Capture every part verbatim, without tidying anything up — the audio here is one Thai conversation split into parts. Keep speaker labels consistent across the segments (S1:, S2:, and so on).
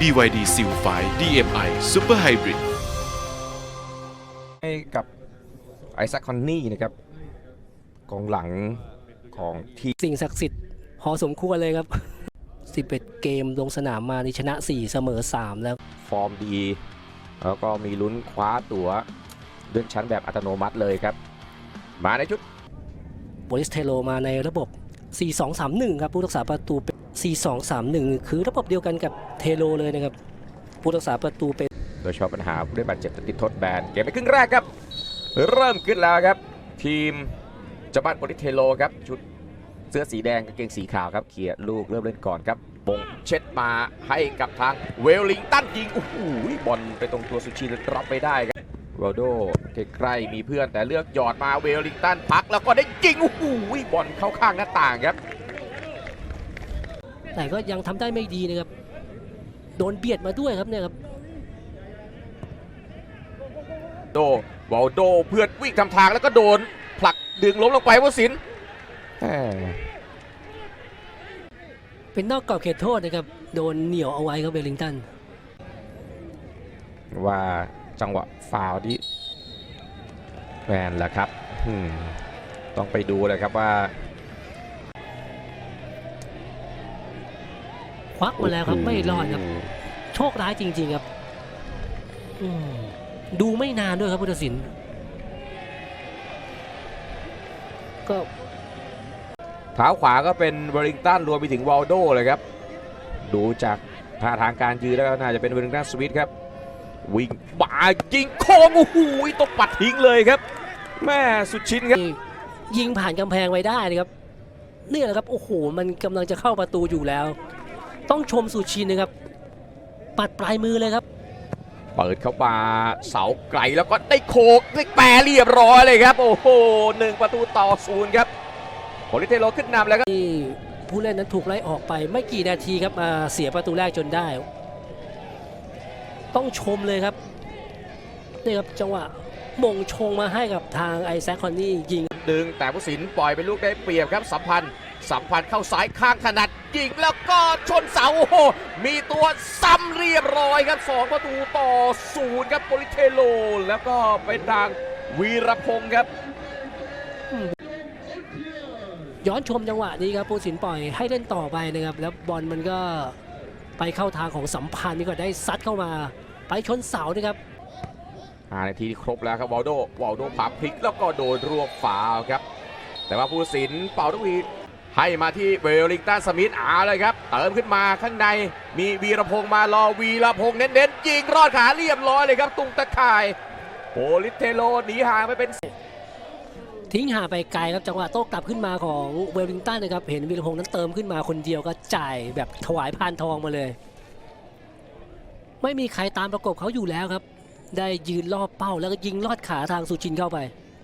S1: บี วาย ดี Seal ไฟว์ ดี เอ็ม ไอ Super Hybrid
S2: ให้กับไอแซค คอนนี่นะครับกองหลังของทีม
S3: สิ่งศักดิ์สิทธิ์พอสมควรเลยครับ สิบเอ็ด เกมลงสนามมาในชนะสี่เสมอสามแล้ว
S2: ฟอร์มดีแล้วก็มีลุ้นคว้าตั๋วเลื่อนชั้นแบบอัตโนมัติเลยครับมาในชุด
S3: โบริสเทโลมาในระบบ สี่ สอง สาม หนึ่ง ครับผู้รักษาประตูเป็น สี่ สอง สาม หนึ่ง คือระบบเดียวกันกับเทโลเลยนะครับผู้รักษาประตูเป็น
S2: โดยเฉพาะปัญหาผู้ได้บาดเจ็บติดทดแบนเกมในครึ่งแรกครับเริ่มขึ้นแล้วครับทีมจับบ้านโบริสเทโลครับชุดเสื้อสีแดงกางเกงสีขาวครับเขี่ยลูกเริ่มเล่นก่อนครับบงเช็ดมาให้กับทางเวลลิงตันยิงโอ้โหบอลไปตรงตัวสุชินรับไปได้ครับโรโดใกล้ๆมีเพื่อนแต่เลือกหยอดมาเวลลิงตันพักแล้วก็ได้ยิงโอ้โหบอลเข้าข้างหน้าต่างครับ
S3: แต่ก็ยังทำได้ไม่ดีนะครับโดนเบียดมาด้วยครับเนี่ยครับ
S2: โดวอลโดเพื่อนวิ่งทำทางแล้วก็โดนผลักดึงล้มลงไปวสิน
S3: เป็นนอกกรอบเขตโทษนะครับโดนเหนี่ยวเอาไว้ครับเวลลิงตัน
S2: ว่าจังหวะฟาวล์ที่แมนแหละครับต้องไปดูเลยครับว่า
S3: ควักมาแล้วครับไม่รอดครับโชคร้ายจริงๆครับดูไม่นานด้วยครับพุทธศิลป์ก็
S2: เท้าขวาก็เป็นเวลลิงตันรวมไปถึงวอลโดเลยครับดูจากท่าทางการยืนแล้วน่าจะเป็นเวลลิงตันสวิตครับวิ่งบ่ายิงโค้งโอ้โหตกปัดทิ้งเลยครับแม่สุดชิ้นครับ
S3: ยิงผ่านกำแพงไว้ได้นะครับนี่แหละครับโอ้โหมันกำลังจะเข้าประตูอยู่แล้วต้องชมสุชินนะครับปัดปลายมือเลยครับ
S2: เปิดเข้ามาเสาไกลแล้วก็ได้โคกได้แปรเรียบร้อยเลยครับโอ้โหหนึ่งประตูต่อศูนย์ครับโบริสเทโลขึ้นนำแล้วครับ
S3: ที่ผู้เล่นนั้นถูกไล่ออกไปไม่กี่นาทีครับมาเสียประตูแรกจนได้ต้องชมเลยครับนี่ครับจังหวะมงชงมาให้กับทางไอแซค คอนนี่ยิง
S2: ดึงแต่ผู้สินปล่อยเป็นลูกได้เปรียบครับสัมพันธ์สัมพันธ์เข้าซ้ายข้างถนัดยิงแล้วก็ชนเสาโอ้โหมีตัวซ้ำเรียบร้อยครับสองประตูต่อศูนย์ครับโบริสเทโลแล้วก็เป็นทางวีรพงศ์ครับ
S3: ย้อนชมจังหวะนี้ครับผู้สินปล่อยให้เล่นต่อไปนะครับแล้วบอลมันก็ไปเข้าทางของสัมพันธ์นี่ก็ได้ซัดเข้ามาไปชนเสานะครับ
S2: ห้านาทีครบแล้วครับวอลโดวอลโดผลักพลิกแล้วก็โดนรวบฝาครับแต่ว่าผู้สินเป่าทุกวีให้มาที่เวลลิงตันสมิธเอาเลยครับเติมขึ้นมาข้างในมีวีรพงษ์มารอวีรพงษ์เน้นๆยิงรอดขาเรียบร้อยเลยครับตุงตะข่ายโบริสเทโลหนีห่างไปเป็น
S3: ทิ้งห่างไปไกลครับจังหวะโต้กลับขึ้นมาของเวลลิงตันนะครับเห็นวีรพงษ์นั้นเติมขึ้นมาคนเดียวก็จ่ายแบบถวายพานทองมาเลยไม่มีใครตามประกบเขาอยู่แล้วครับได้ยืนรอบเป้าแล้วก็ยิงลอดขาทางสุชินเข้าไป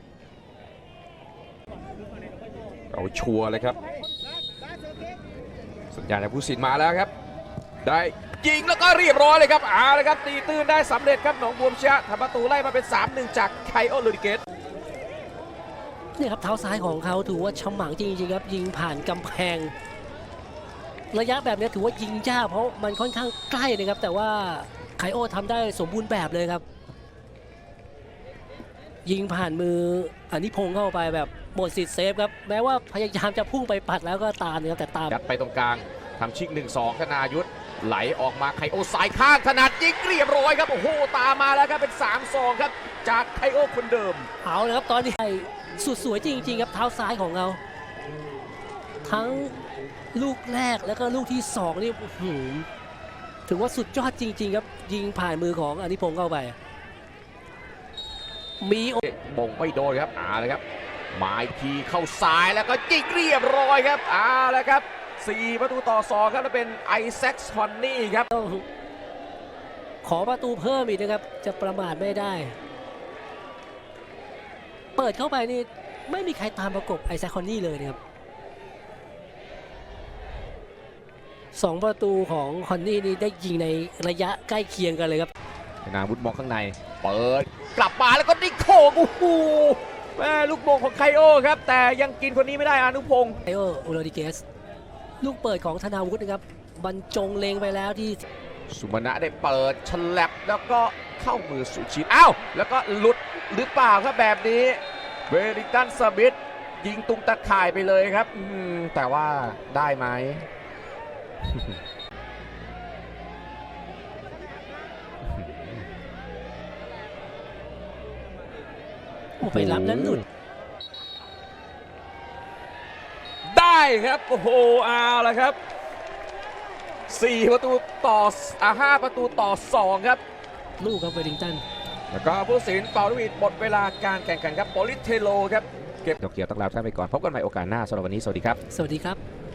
S2: เอาชัวร์เลยครับสัญญาณจากผู้สินมาแล้วครับได้ยิงแล้วก็เรียบร้อยเลยครับเอาเลยครับตีตื้นได้สำเร็จครับหนองบัวพิชยะทำประตูไล่มาเป็น สามหนึ่ง จากไคโอลูดิเกต
S3: นี่ครับเท้าซ้ายของเขาถือว่าฉมังจริงๆครับยิงผ่านกำแพงระยะแบบนี้ถือว่ายิงยากเพราะมันค่อนข้างใกล้นะครับแต่ว่าไคโอทำได้สมบูรณ์แบบเลยครับยิงผ่านมืออนิพงษ์เข้าไปแบบหมดสิทธิ์เซฟครับแม้ว่าพยายามจะพุ่งไปปัดแล้วก็ตามนะครับแต่ตาม
S2: ยัดไปตรงกลางทำชิก หนึ่งสอง ธนายุทธไหลออกมาไคโอสายข้างถนัดยิงเรียบร้อยครับโอ้โหตามมาแล้วครับเป็น สามสอง ครับจากไคโอคนเดิม
S3: เอาเลยครับตอนนี้สุดสวยจริงๆครับเท้าซ้ายของเราทั้งลูกแรกแล้วก็ลูกที่สองนี่ถือว่าสุดยอดจริงๆครับยิงผ่านมือของอนิพงษ์เข้าไปมี
S2: มงไม่โดนครับอ่าเลยครับหมายทีเข้าซ้ายแล้วก็ยิงเรียบร้อยครับอ่าแล้วครับสี่ประตูต่อสองครับแล้วเป็นไอแซค คอนนี่ครับ
S3: ขอประตูเพิ่มอีกนะครับจะประมาทไม่ได้เปิดเข้าไปนี่ไม่มีใครตามประกบไอแซค คอนนี่เลยนะครับสองประตูของคอนนี่นี่ได้ยิงในระยะใกล้เคียงกันเลยครับ
S2: นาวุฒิมองข้างในเปิดกลับมาแล้วก็ได้โค้งโอ้โหแม่ลูกโมงของไคโอครับแต่ยังกินคนนี้ไม่ได้อานุพงศ์
S3: ไคโอโอโรดิเกสลูกเปิดของธนาวุฒินะครับบรรจงเลงไปแล้วที่
S2: สุมาณะได้เปิดฉลับแล้วก็เข้ามือสุชิตอ้าวแล้วก็หลุดหรือเปล่าครับแบบนี้เวลิงตันสมิธยิงตุงตะข่ายไปเลยครับอืมแต่ว่าได้ไหม
S3: โอ้ไปรับแล้วหลุด
S2: ได้ครับโอ้โหเอาละครับสี่ประตูต่ออ่าห้าประตูต่อสองครับ
S3: ลูกครับเวลลิงตัน
S2: แล้วก็ผู้สินเป่าลูกหวีดหมดเวลาการแข่งขันครับโปลิสเทโลครับเก็บเกี่ยวต้องลาท่านไปก่อนพบกันใหม่โอกาสหน้าสำหรับวันนี้สวัสดีครับ
S3: สวัสดีครับ